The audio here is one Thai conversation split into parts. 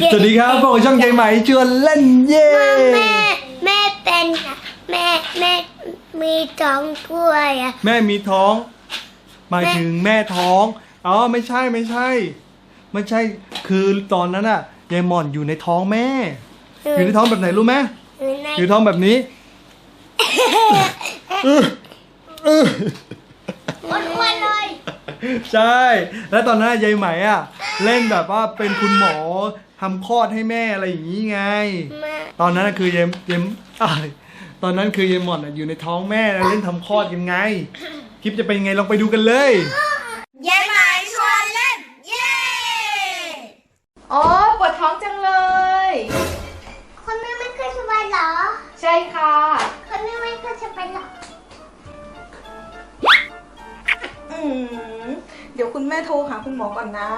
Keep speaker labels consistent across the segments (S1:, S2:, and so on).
S1: สวัสดีครับพวกช่องยายไหมชวนเล่นเย่
S2: แม่เป็นแม่มีท้องด้วยอ่ะ
S1: แม่มีท้องหมายถึงแม่ท้องอ๋อไม่ใช่คือตอนนั้นอ่ะยายหม่อนอยู่ในท้องแม่อยู่ในท้องแบบไหนรู้ไหมอยู่ท้องแบบนี้
S2: อ้วนๆเลย
S1: ใช่แล้วตอนนั้นยายไหมอ่ะเล่นแบบว่าเป็นคุณหมอทำคลอดให้แม่อะไรอย่างนี้ไงตอนนั้นคือยายตอนนั้นคือยายหม่อนอยู่ในท้องแม่แล้วเล่นทำคลอดยังไงคลิปจะเป็นยังไงลองไปดูกันเลย
S2: ยายไหมชวนเล่นเย้
S3: อ๋อปวดท้องจังเลย
S2: คนแม่ไม่เคยสบายเหรอ
S3: ใช่ค่ะ
S2: คนแม่ไม่เคยสบายเหรอ
S3: เดี๋ยวคุณแม่โทรหาคุณหมอก่อนนะ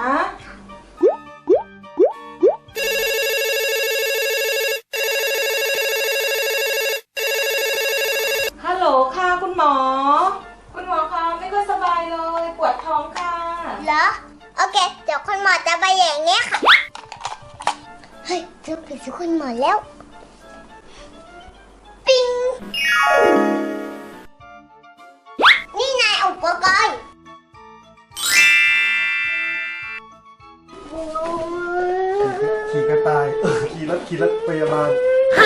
S3: ฮัลโหลค่ะคุณหมอคะไม่ค่อยสบายเลยปวดท้องค่ะ
S2: เหรอโอเคเดี๋ยวคุณหมอจะไปอย่างเงี้ยค่ะเฮ้ยเจอผีสิคุณหมอแล้วปิ๊งนี่นายอุปกรณ์
S1: ขี่กระต่ายขี่รถพยาบาล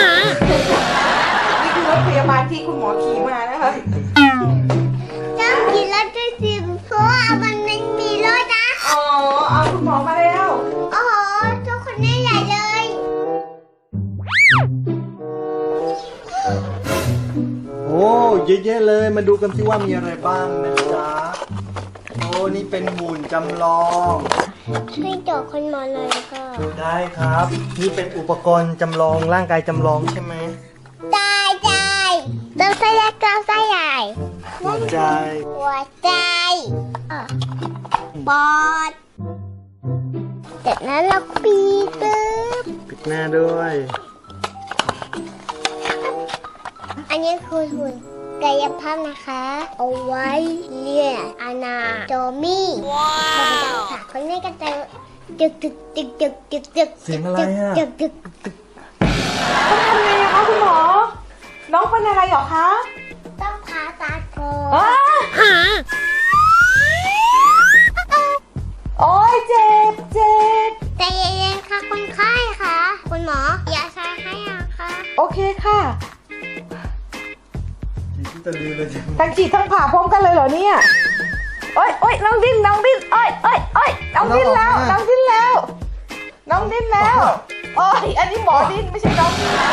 S3: นี่คือรถพยาบาลที่คุณหมอขี่มานะคะ
S2: ต้องขี่รถด้วยสิเพราะว่ามันไม่มีรถนะ
S3: อ๋อเอาคุณหมอมาแล้ว
S2: โอ้โหทุกคนนี่ใหญ่เลย
S1: โอ้เยอะๆเลยมาดูกันสิว่ามีอะไรบ้างนะจ๊ะโอ้นี่เป็นหุ่นจำลอง
S2: ช่วยเจาะคนหมอหน่อยค่ะ
S1: ได้ครับนี่เป็นอุปกรณ์จำลองร่างกายจำลองใช่ไหม
S2: ใจต้องใส่ยักษ์ต้องใส่ใหญ่
S1: หัวใจ
S2: ปอดจากนั้นเราปี
S1: ปิดหน้าด้วย
S2: อันนี้คือหุ่นกายภาพนะคะเอาไว้เรียกอนาโตมีว้าวค่ะคนนี้ก็จะจึก
S1: เสียงอะไรอ่ะ
S3: ต้องทำไงคะคุณหมอน้องเป็นอะไรหรอคะ
S2: ต้องผ่าตัดก่อ
S3: นโอ้ยเจ็บ
S2: ใจเย็นๆค่ะคนไข้ค่ะคุณหมออย่าใช้ให้ค่ะ
S3: โอเคค่ะทั้งฉีดทั้งผ่าพร้อมกันเลยเหรอเนี่ยโอ้ยน้องดิ้นโอ้ยน้องดิ้นแล้วโอ้ยอันนี้หมอดิ้นไม่ใช่น้องดิ้น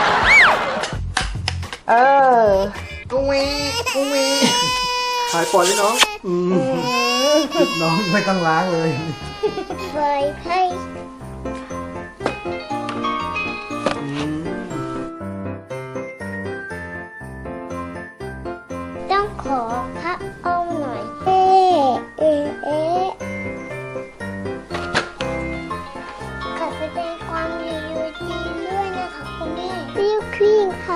S1: กุ้งวีหายปอดเลยน้องน้องไม่ต้องล้างเลย
S2: เคยให้ต้องขอพระอ้อมหน่อยขอแสดงความยินดีด้วยนะคะคุณแม่บิวควีนค่ะ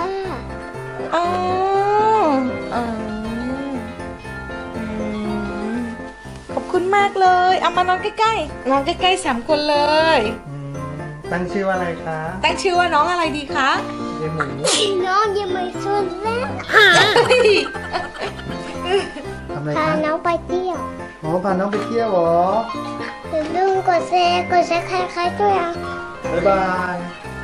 S3: ขอบคุณมากเลยเอามานอนใกล้ๆ3 คนเลย
S1: ตั้งชื่อว่าอะไรคะ
S3: ตั้งชื่อว่าน้องอะไรดีคะ
S1: ยายหมู
S2: น้องยังไม่ชวนแล้ว
S1: ทำอะไร
S2: พา
S1: คะ
S2: น้องไปเที่ยว
S1: พาน้องไปเที่ยวเหรอ
S2: อย่าลืมกดแชร์ใครๆด้วยอ่ะ
S1: บ๊ายบาย